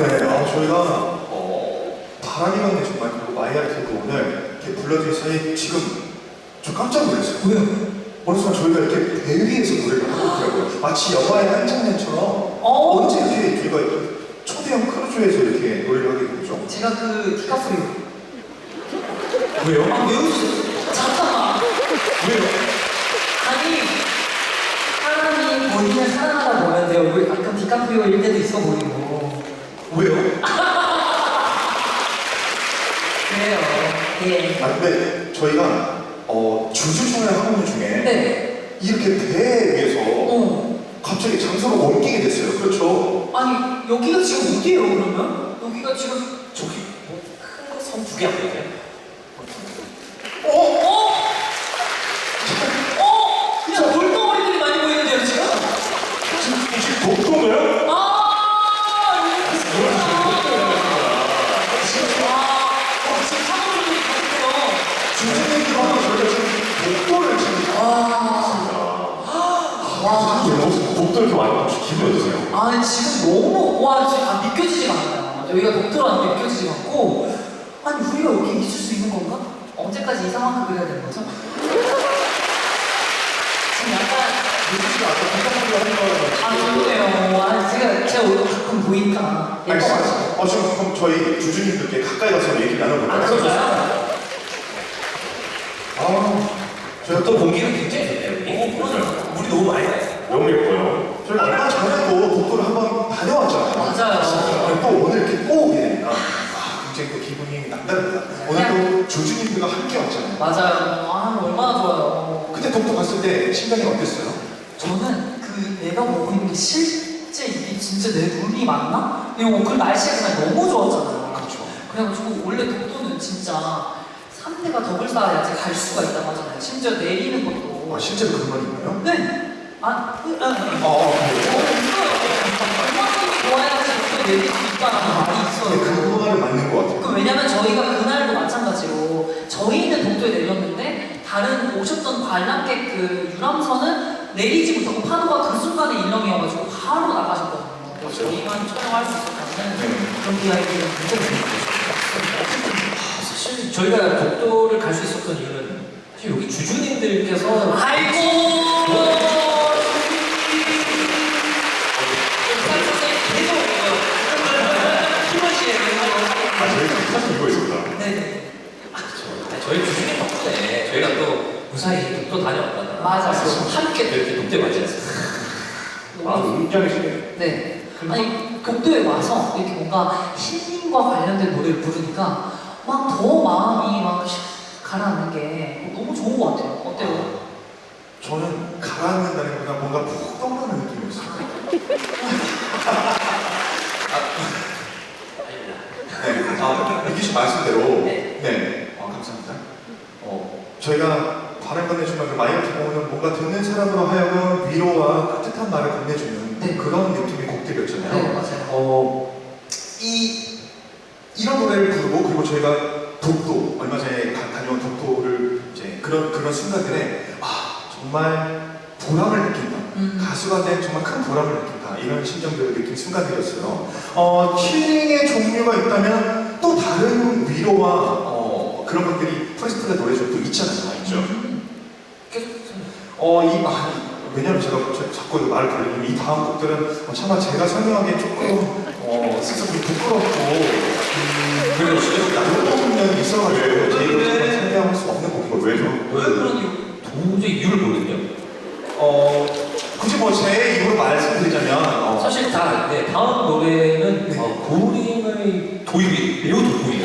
네, 저희가 바람이 맞네 정말 그리고 마이아트도 오늘 이렇게 불러주셔서 지금 저 깜짝 놀랐어요. 왜요? 어느 순간 저희가 이렇게 배 위에서 노래를 하고 있더라고요. 마치 영화의 한 장면처럼 언제 이렇게 저희가 초대형 크루즈에서 이렇게 노래를 하게 되죠? 제가 그 디카프리오. 왜요? 아, 왜 웃으세요? 잠깐만. 왜요? 아니, 사람이 본인을 사랑하다 보면 내 얼굴이 가끔 디카프리오일 때도 있어 보이고. 왜요? 그래요. 예. 근데 저희가 주주 촬영 하는 중에 네. 이렇게 배 위에서 갑자기 장소를 옮기게 됐어요. 그렇죠? 아니, 여기가 지금 어디예요, 그러면? 여기가 지금. 저기 뭐큰섬2개 안 되냐? 그냥 돌덩어리들이 많이 보이는데요, 지금? 지금 독도인가요? 지금 사람들이 가득해요. 주주님들하고 저희가 지금 독도를 지금 독도 이렇게 와요. 혹시 기분이 어떠세요? 아니, 지금 너무, 지금 믿겨지지가 않아요. 여기가 독도라는 게 믿겨지지가 않고, 아니, 우리가 여기 있을 수 있는 건가? 언제까지 이 상황을 그려야 되는 거죠? 지금 약간, 민수씨가 아까 독도를 하는 거라고 좋네요. 제 얼굴 가끔 보니까. 알겠습니다. 지금 그럼 저희 주주님들께 가까이 가서 얘기 나눠볼까요? 그럴까요? 저희가 또 공기는 굉장히 좋네요. 그러죠. 물이 너무 많이 나요. 너무 예뻐요. 저희가 얼마 전에도 독도를 한번 다녀왔잖아요. 맞아요. 또 오늘 이렇게 또 오게 되니까 굉장히 또 기분이 남다릅니다. 오늘 또 주주님들과 함께 왔잖아요. 맞아요. 얼마나 좋아요. 그때 독도 갔을 때 심장이 어땠어요? 저는 내가 먹고 있는 게 실제 이게 진짜 내 눈이 맞나? 그리고 그 날씨가 그냥 너무 좋았잖아요. 그렇죠. 그래가지고 원래 독도는 진짜 3대가 덕을 쌓아야지 갈 수가 있다고 하잖아요. 심지어 내리는 것도. 실제로 그런 말이 있나요? 네. 음악이 좋아야지 독도 내릴 수 있다는 말이 있어요. 그 말은 맞는 것 같아요. 왜냐면 저희가 그날도 마찬가지로 저희는 독도에 내렸는데 다른 오셨던 관람객 그 유람선은 내리지 못하고 파도가 그 순간에 일렁이어가지고 바로 나가셨거든요. 그래서 저희만 촬영할 수 있었다는 그런 비하인드는 굉장히 재밌었어요. 사실 저희가 독도를 갈 수 있었던 이유는 사실 여기 주주님들께서 아이고! 저희가 사실 이거 있습니다. 네네. 저희 주주님 덕분에 저희가 또 무사히 독도 다녀왔다가 맞아요. 함께 또 이렇게 독도에 맞지 않습니까? 웅장이시네요. 네. 아니, 독도에 와서 이렇게 뭔가 힐링과 관련된 노래를 부르니까 막 더 마음이 막 가라앉는 게 너무 좋은 것 같아요. 어때요? 저는 가라앉는다는 것보다 뭔가 푹 떠오르는 느낌이었어요. 네, 이기 씨 말씀대로 감사합니다. 저희가 발을 건네주면 그 마이어트 공원은 뭔가 듣는 사람으로 하여금 위로와 따뜻한 말을 건네주는 그런 느낌의 곡들이었잖아요. 네, 맞아요. 이런 노래를 부르고 그리고 저희가 독도 얼마 전에 다녀온 독도를 이제 그런 순간들에 정말 보람을 느낀다. 가수가 된 정말 큰 보람을 느낀다. 이런 심정들을 느낀 순간들이었어요. 힐링의 종류가 있다면 또 다른 위로와 그런 것들이 프레스텔라 노래 중에 또 있잖아요. 있죠? 왜냐면 제가 자꾸 말을 돌리면 이 다음 곡들은 차마 제가 설명하기엔 조금 스스로 부끄럽고 그리고 나쁜 면이 있어가지고 제 입으로 설명할 수 없는 곡이거든요. 왜죠? 왜 그런 이유? 도저히 이유를 모르겠네요. 굳이 제 입으로 말씀드리자면 사실 다 아는데 다음 노래는 고림의 도입이 매우 돋보이는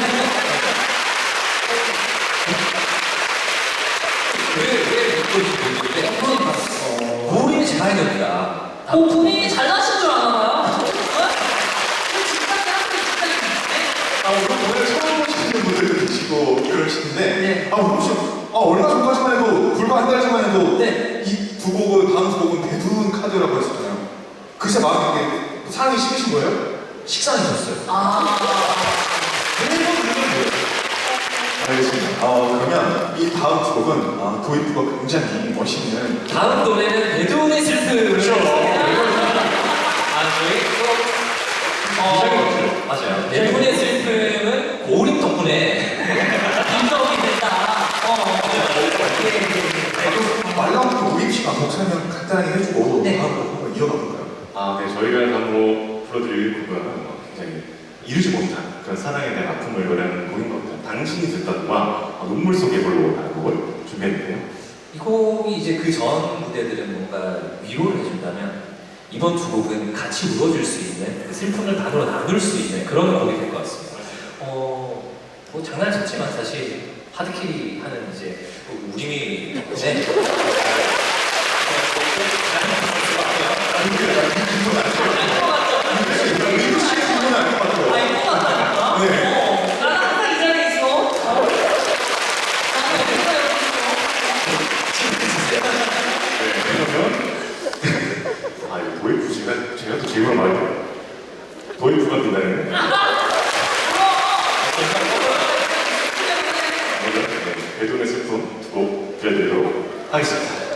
왜 돋보이는지 모르겠는데 고림이 제 마이너입니다. 본인이 잘나신 줄 아나봐요? 물론 노래를 처음 보시는 분들도 계시고 그러시는데 네. 혹시 얼마 전까지만 해도 불과 한 달 전만 해도 네. 이 두 곡은 다음 두 곡은 배두른 카드라고 했었잖아요. 글쎄 마음이 되게 사랑이 심으신 거예요? 식상해졌어요. 알겠습니다. 그러면 이 다음 두 곡은 도입부가 굉장히 멋있는 다음 노래는 배두른의 슬픔을 그렇죠. 저희 또 굉장히 아, 네, 저희가 한번 불러드릴 곡은 굉장히 이루지 못한 그런 사랑에 대한 아픔을 노래하는 곡인 것 같아요. 당신이 듣던 음악, 눈물 속의 볼로라는 곡을 준비했는데요. 이 곡이 이제 그 전 무대들은 뭔가 위로를 해준다면 이번 두 곡은 같이 울어줄 수 있는 그 슬픔을 반으로 나눌 수 있는 그런 곡이 될 것 같습니다. 뭐 장난쳤지만 사실 하드캐리 하는 이제 우림이 덕분에 리브 씨의 기분은 아닌 것 같아요. 아, 이거 같다니까? 네. 나는 항상 이 자리에 있어. 나는 어디 있어요? 네, 그러면 아, 이거 도입부 제가 또 제일 말해요. 도입부가 된다는 배돈의 슬픔 두 곡 들려드리도록 하겠습니다.